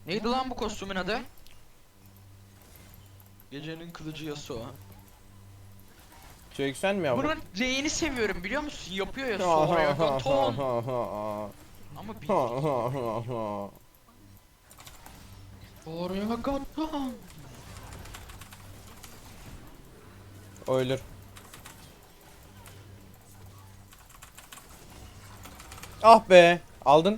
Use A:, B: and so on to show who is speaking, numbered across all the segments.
A: Neydi lan bu kostümün adı? Gecenin kılıcı Yasuo.
B: Çeksen mi yavrum?
A: Bunun R'ini seviyorum biliyor musun? Yapıyor ya Soragaton. Ama bildik. Soragaton.
B: Ölür. Ah be, aldın.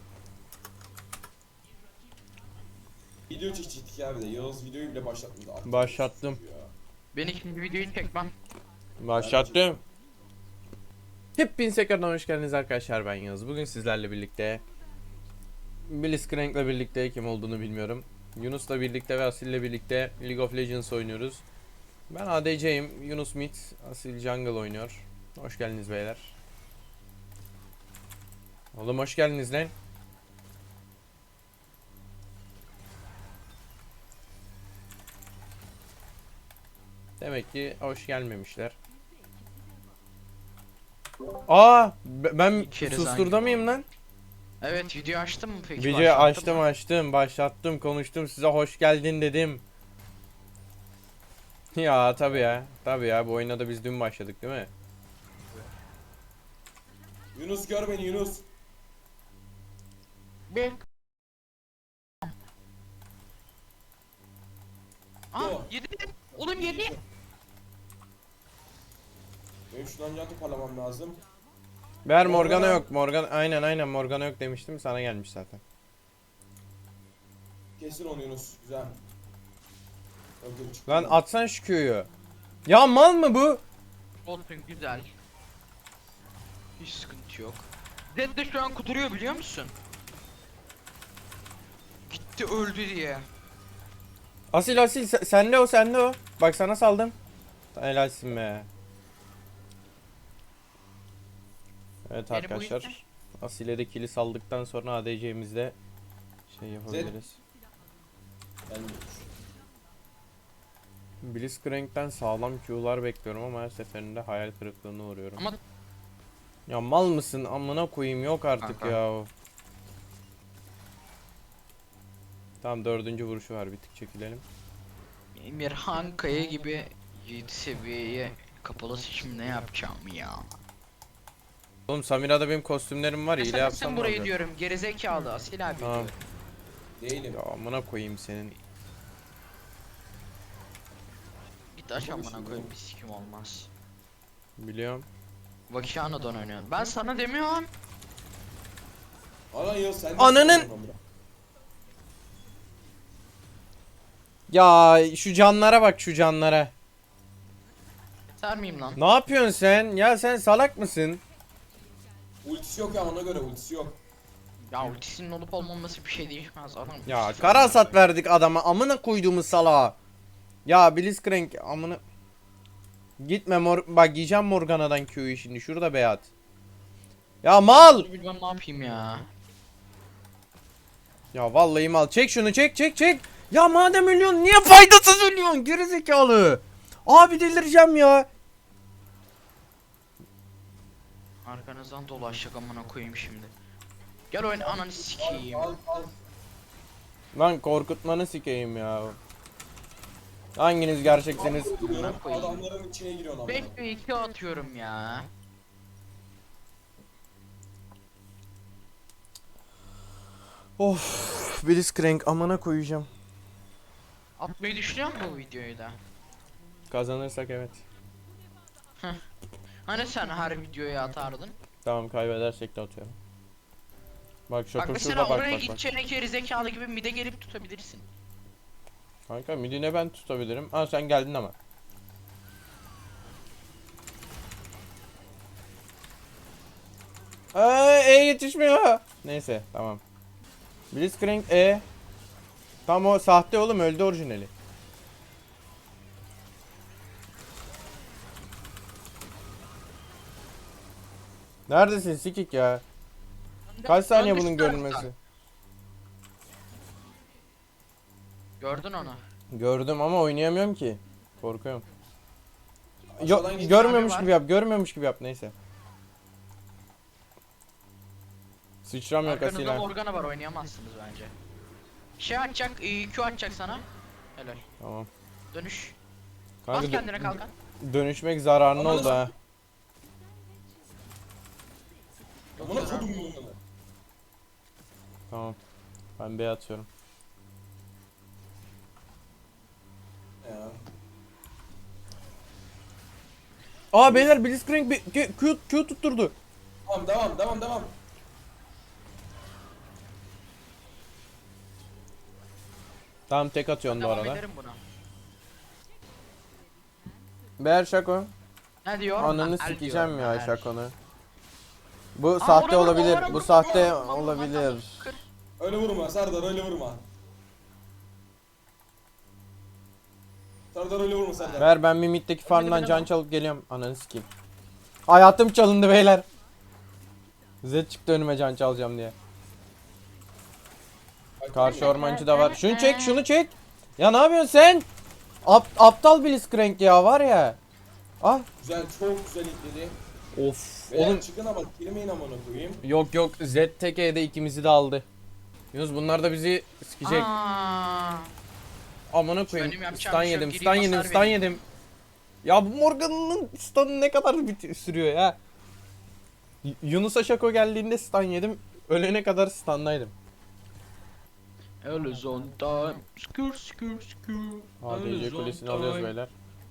C: Video çekecektik ya bir de. Yağız videoyu bile başlatmadı. Aklım
B: Başlattım.
C: ya.
A: Ben ikinci videoyu çekmem.
B: Başlattım. Hepinize tekrardan hoş geldiniz arkadaşlar, ben Yağız. Bugün sizlerle birlikte Blitzcrank'le birlikte, kim olduğunu bilmiyorum, Yunus'la birlikte ve Asil'le birlikte League of Legends oynuyoruz. Ben ADC'yim, Yunus mid, Asil jungle oynuyor. Hoş geldiniz beyler. Oğlum hoş geldiniz lan. Demek ki hoş gelmemişler. Aa, ben
A: İçeri
B: susturda
A: zangin
B: mıyım lan?
A: Evet, video açtın mı peki?
B: Videoyu
A: Başlattın mı?
B: açtım, başlattım, konuştum, size hoş geldin dedim. Ya tabi ya, bu oyuna da biz dün başladık değil mi?
C: Yunus gör beni Yunus.
A: Bir. Aa,
C: Yo.
A: yedi. Oğlum yedi.
C: Benim şuradan can toparlamam lazım.
B: Ver Morgana
C: Morgana.
B: yok, aynen Morgana yok demiştim, sana gelmiş zaten.
C: Kesin onu Yunus. Güzel. Öldüm çıktı.
B: Lan atsan şu Q'yu. Ya mal mı bu?
A: Olsun, güzel. Hiç sıkıntı yok. Zed de şu an kuduruyor biliyor musun? Gitti öldü diye.
B: Asil sende o. Bak sana saldım. Helalsin be. Evet
A: Beni bu
B: arkadaşlar. Asil'e de kili saldıktan sonra ADC'mizde şey yapabiliriz.
C: Gelmiyormuş.
B: Blitzcrank'ten sağlam Q'lar bekliyorum ama her seferinde hayal kırıklığına uğruyorum.
A: Ama
B: Ya mal mısın? Amına koyayım, yok artık
A: Kanka.
B: ya. Tamam, dördüncü vuruşu var, bir tık çekilelim.
A: Emirhan Kaya gibi 7 seviyeye kapalı seçim ne yapacağım ya?
B: Oğlum Samira'da benim kostümlerim var, hile
A: Sen
B: yapsam ne
A: burayı
B: olacak?
A: diyorum, gerizekalı Asil abi
B: Tamam.
A: diyorum.
C: Değilim.
B: Ya amına koyayım senin.
A: Git aç amına koyayım, bir sikim olmaz.
B: Biliyorum.
A: Vakiano'dan oynuyorum. Ben sana demiyorum.
C: Ana Yağız sen de
B: Ananın-
C: sıkıntın ama.
B: Ya şu canlara bak, şu canlara.
A: Yeter miyim lan?
B: Ne yapıyorsun sen? Ya sen salak mısın?
C: Ultisi yok ya, ona göre ultisi yok.
A: Ya ultisinin olup olmaması bir şey değişmez adam.
B: Ya kara hasat verdik adama, amına koyduğumuz salağa. Ya Blitzcrank amına. Gitme bak yiyeceğim Morgana'dan Q'yu şimdi, şurada beyat. Ya mal.
A: Bilmem ne yapayım ya.
B: Ya vallahi mal, çek şunu, çek. Ya madem ölüyorsun niye faydasız ölüyorsun gerizekalı. Abi delireceğim ya.
A: Arkanızdan dolaşacak amına koyayım şimdi. Gel oyun ananı sikeyim.
C: Al.
B: Lan korkutmanı sikeyim ya. Hanginiz gerçeksiniz?
C: Diyorum,
A: koyayım.
C: adamların içine giriyorsun ama.
A: 5 ve 2 atıyorum ya.
B: Of, Blitzcrank amına koyacağım.
A: Atmayı düşünüyor musun bu videoyu da?
B: Kazanırsak evet.
A: Hani sen her videoya atardın?
B: Tamam, kaybedersek de atıyorum. Bak
A: Bak
B: şaka
A: mesela
B: şurada,
A: oraya
B: bak.
A: gideceğine geri zekalı gibi mide gelip tutabilirsin.
B: Kanka midine ben tutabilirim. Ha sen geldin ama. Yetişmiyor. Neyse tamam. Blitzcrank Tam o sahte oğlum, öldü orijinali. Neredesin sikik ya? Kaç saniye bunun görünmesi?
A: Gördün onu.
B: Gördüm ama oynayamıyorum ki. Korkuyorum.
C: Aşağıdan geç.
B: Görmüyormuş
A: Abi
B: gibi yap, neyse. Sıçram yok
A: Arkanızda
B: Asila.
A: Morgana var, oynayamazsınız bence. Şey atacak, Q atacak sana. Helal.
B: Tamam.
A: Dönüş.
B: Kanka
A: Bas kendine kalkan.
B: dönüşmek zararlı
C: Ananı
B: oldu ha.
C: Amına kodum bunu.
B: Tamam. Ben B atıyorum.
C: Ya.
B: Aa beyler Blitzcrank bir Q tutturdu.
C: Tamam devam.
B: Tamam tek atıyorum bu
A: Devam
B: arada.
A: ederim buna.
B: Beyler Şako.
A: Ne diyor?
B: Ananı
A: Ha, el
B: sikeceğim
A: diyor,
B: ya
A: el.
B: Şako'nu. Bu
A: Aa,
B: sahte
A: ona vurma,
B: olabilir.
A: ona
B: Bu
A: vurma,
B: sahte
A: ona vurma,
B: olabilir.
A: kır.
C: Öyle vurma Serdar, öyle vurma. Serdar öyle vurma Serdar.
B: Ver ben Mimit'teki farmdan
A: beni
B: can
A: bak.
B: çalıp geliyorum. Ananı sikeyim. Hayatım çalındı beyler. Zed çıktı önüme can çalacağım diye. Karşı ormancı da var. Şunu çek, şunu çek. Ya ne yapıyorsun sen? Aptal Blitzcrank ya var ya. Ah.
C: Güzel, çok güzel itledi.
B: Of.
C: Beyler
B: Oğlum
C: çıkın ama girmeyin amına koyayım.
B: yok Zed tek E'de ikimizi de aldı. Yunus bunlar da bizi sikecek.
A: Aa,
B: Amına koyayım.
A: Benim yapacağım
B: Stun
A: bir şey
B: yedim,
A: yok,
B: stun
A: gireyim,
B: yedim,
A: hasar
B: stun
A: vereyim.
B: yedim. Ya bu Morgan'ın stun'ı ne kadar sürüyor ya? Yunus'a Şako geldiğinde stun yedim. Ölene kadar stun'daydım.
A: El is on time. Skür skür skür.
B: ADC kulesini alıyoruz beyler.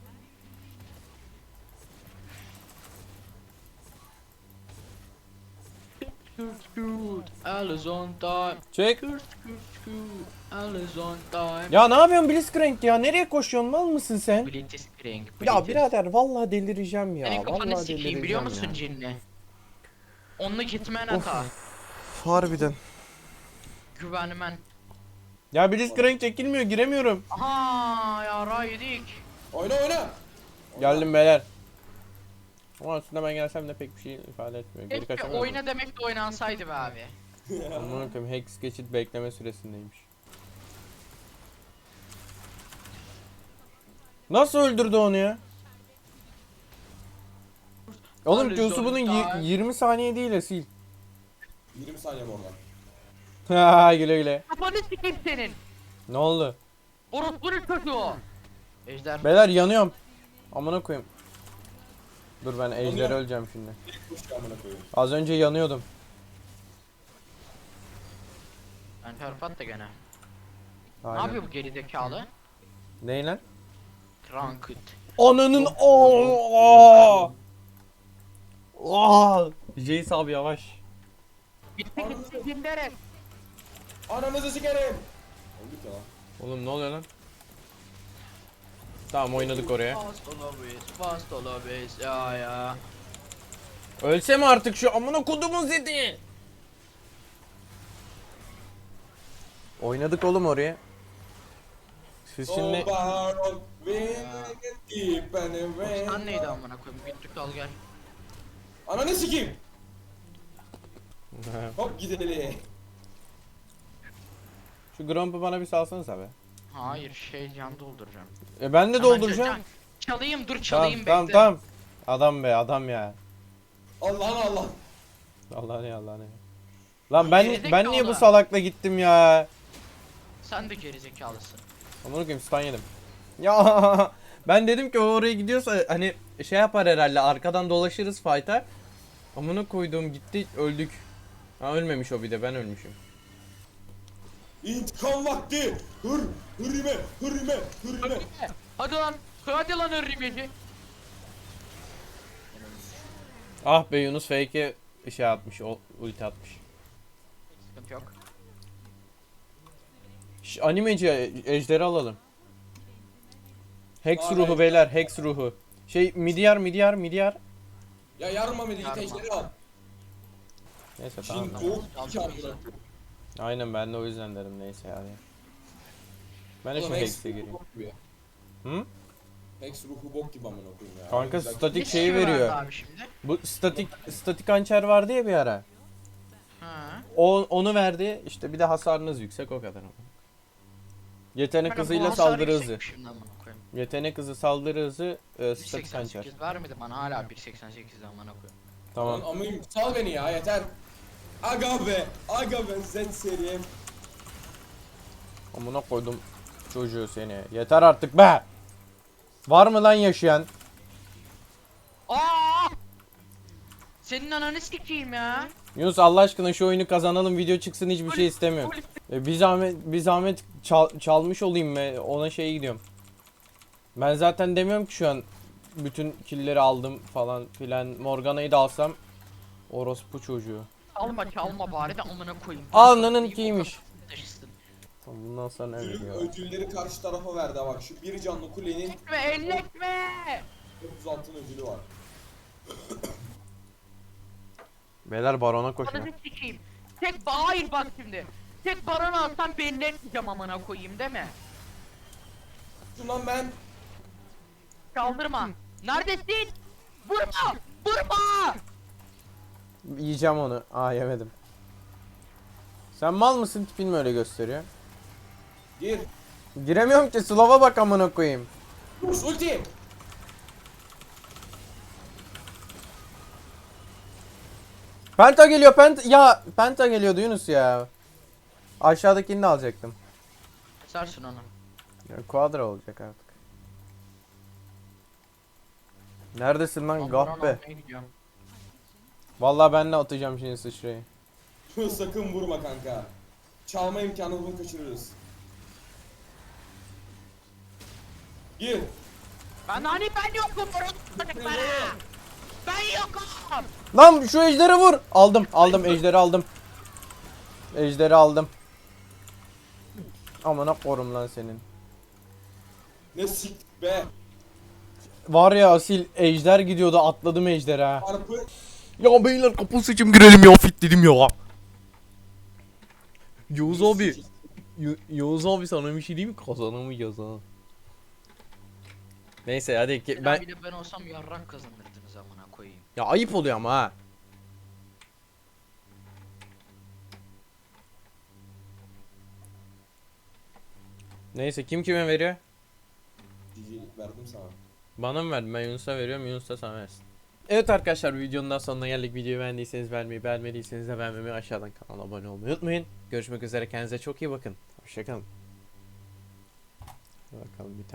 A: Skür skür. El is on time.
B: Çek.
A: Skür skür skür. El is on time.
B: Ya ne yapıyorsun Blitzcrank ya? Nereye koşuyorsun? Mal mısın sen?
A: Blitzcrank.
B: Ya birader vallahi delireceğim ya.
A: Senin kafanı
B: Vallahi
A: sikeyim
B: delireceğim
A: biliyor musun
B: ya.
A: cinni? Onunla gitmen hata.
B: Harbiden.
A: Güvenmen.
B: Ya Blitzcrank çekilmiyor, giremiyorum.
A: Aha yara yedik.
C: Oyna.
B: Geldim beyler. Ama aslında ben gelsem de pek bir şey ifade etmiyor. Geri
A: Keşke
B: kaçamıyorum.
A: oyna demek de oynansaydı be abi.
B: Aman koyayım Hex geçit bekleme süresindeymiş. Nasıl öldürdü onu ya? Oğlum Q'su bunun 20 saniye değil Asil.
C: 20 saniye oradan.
B: Ha güle güle.
A: Kafanı sikeyim senin.
B: Ne oldu?
A: Orospunun çocuğu. Ejder.
B: Beyler yanıyorum. Amına koyayım. Dur ben ejder
C: Yanıyor.
B: öleceğim şimdi.
C: Kuş amına koyayım.
B: Az önce yanıyordum.
A: Ben terfat da gene. Ne
B: Aynen.
A: yapıyor bu gerizekalı?
B: Ney lan?
A: Trunked.
B: Ananın ooo. Jace abi yavaş.
A: Gitti gitti ginderet.
C: Ananızı sikerim. Öldük ya lan.
B: Oğlum ne oluyor lan? Tamam oynadık oraya.
A: Fast olabilir ya.
B: Ölse mi artık şu amına kodumun zedi? Oynadık oğlum oraya. Siz şimdi
C: So far on, we keep and away.
A: Sen neydi amına koyayım? Gittik al gel.
C: Ananı sikeyim. Hop gidelim.
B: şu Gromp'u bana bir salsanız abi.
A: Hayır can dolduracağım.
B: Ben de
A: Hemen
B: dolduracağım.
A: Çalayım dur
B: Tamam
A: çalayım
B: tamam
A: bekle.
B: tamam. Adam be adam ya.
C: Allah'ın Allah.
B: Allah ne Allah ne. Lan ben
A: Gerizekalı.
B: niye bu salakla gittim ya?
A: Sen de gerizekalısın.
B: Amına koyayım stun yedim. Ya ben dedim ki o oraya gidiyorsa hani şey yapar herhalde arkadan dolaşırız fight'a. Amına koyduğum gitti öldük. Ha ölmemiş o bir de ben ölmüşüm.
C: İntikam vakti. Hürrime.
A: Hadi lan örümceci.
B: Ah be Yunus fake'e şey atmış, ulti atmış.
A: Sıkıntı yok.
B: Animeci ejderi alalım. Hex
C: Aa,
B: ruhu
C: evet.
B: beyler, Hex ruhu. Şey midyar.
C: Ya yarma beni, git
A: Yarma.
C: ejderi al.
B: Neyse tamam.
C: Şimdi
B: tamam.
C: doğuk iki amına.
B: Aynen ben de o yüzden dedim neyse yani. Ben de şu
C: Oğlum Hex
B: Hex'e
C: ruhu
B: gireyim.
C: bok gibi.
B: Hı?
C: Hex ruhu bok gibi amına koyayım ya.
B: Kanka
C: Güzel-
B: statik
A: Ne
B: şeyi
A: şey verdi
B: veriyor.
A: abi şimdi?
B: Bu statik hançer vardı ya bir ara.
A: Ha.
B: Onu verdi. İşte bir de hasarınız yüksek o kadar. Yetenek
A: Bana bu
B: hızıyla
A: hasar
B: saldırı hızı.
A: yüksekmiş şimdi amına koyayım.
B: Yetenek hızı, saldırı hızı, statik hançer.
A: 1.88 vermedi bana hala 1.88 amına koyayım.
B: Tamam.
C: Lan amıyım, sal beni ya yeter. Aga be zet serim.
B: Amına koydum çocuğu seni. Yeter artık be. Var mı lan yaşayan?
A: Aa! Senin ananı sikeyim ya.
B: Yunus Allah aşkına şu oyunu kazanalım, video çıksın, hiçbir şey istemiyorum. Bir zahmet çalmış olayım ve ona şey gidiyorum. Ben zaten demiyorum ki şu an bütün killleri aldım falan filan. Morgana'yı da alsam orospu çocuğu.
A: Çalma bari de amına koyayım.
B: Alnının kiymiş.
A: Taşısın.
B: Bundan sonra ne
C: Ödül,
B: veriyor?
C: ödülleri karşı tarafa verdi ha bak şu bir canlı kulenin
A: Ve elletme.
C: 30 altın ödülü var.
B: Beyler barona koşun.
A: Ananı sikeyim. Hayır bak şimdi. Tek baronu alsam belli etmeyeceğim amına koyayım değil mi?
C: Şundan ben
A: Kaldırma. Neredesin? Vurma! Vurma!
B: Yiyeceğim onu. Aa yemedim. Sen mal mısın, tipin mi öyle gösteriyor?
C: gir.
B: Giremiyorum ki, slova bak amına koyayım.
C: Ulti.
B: Penta geliyor, penta geliyordu Yunus ya. Aşağıdakini de alacaktım.
A: Sarsın onu.
B: Ya, quadra olacak artık. Neredesin lan gahpe? Vallahi ben de atacağım şimdi sıçrayı.
C: Sakın vurma kanka. Çalma imkanını kaçırırız. Gir.
A: Ben yokum bana. Ben yokum.
B: Lan şu ejderi vur. Aldım ejderi aldım. Ejderi aldım. Amına korum lan senin.
C: Ne sik be.
B: Var ya asil ejder gidiyordu, atladım ejderi ha.
C: Çarpı.
B: Ya beyler kapı seçim girelim ya, fit dedim ya. Yavuz abi. Yavuz abi sana bir şey diyeyim mi? Kazanamayacağız ha. Neyse hadi
A: Ben bir de ben olsam yarrak kazanırdınız amına koyayım.
B: ya ayıp oluyor ama ha. Neyse kim kime veriyor?
C: GG verdim sana.
B: Bana mı verdin? Ben Yunus'a veriyorum, Yunus da sana versin. Evet arkadaşlar, videonun daha sonuna geldik. Videoyu beğendiyseniz beğenmeyi, beğenmediyseniz de beğenmemeyi, aşağıdan kanala abone olmayı unutmayın. Görüşmek üzere, kendinize çok iyi bakın. Hoşçakalın. Bakalım bir tane.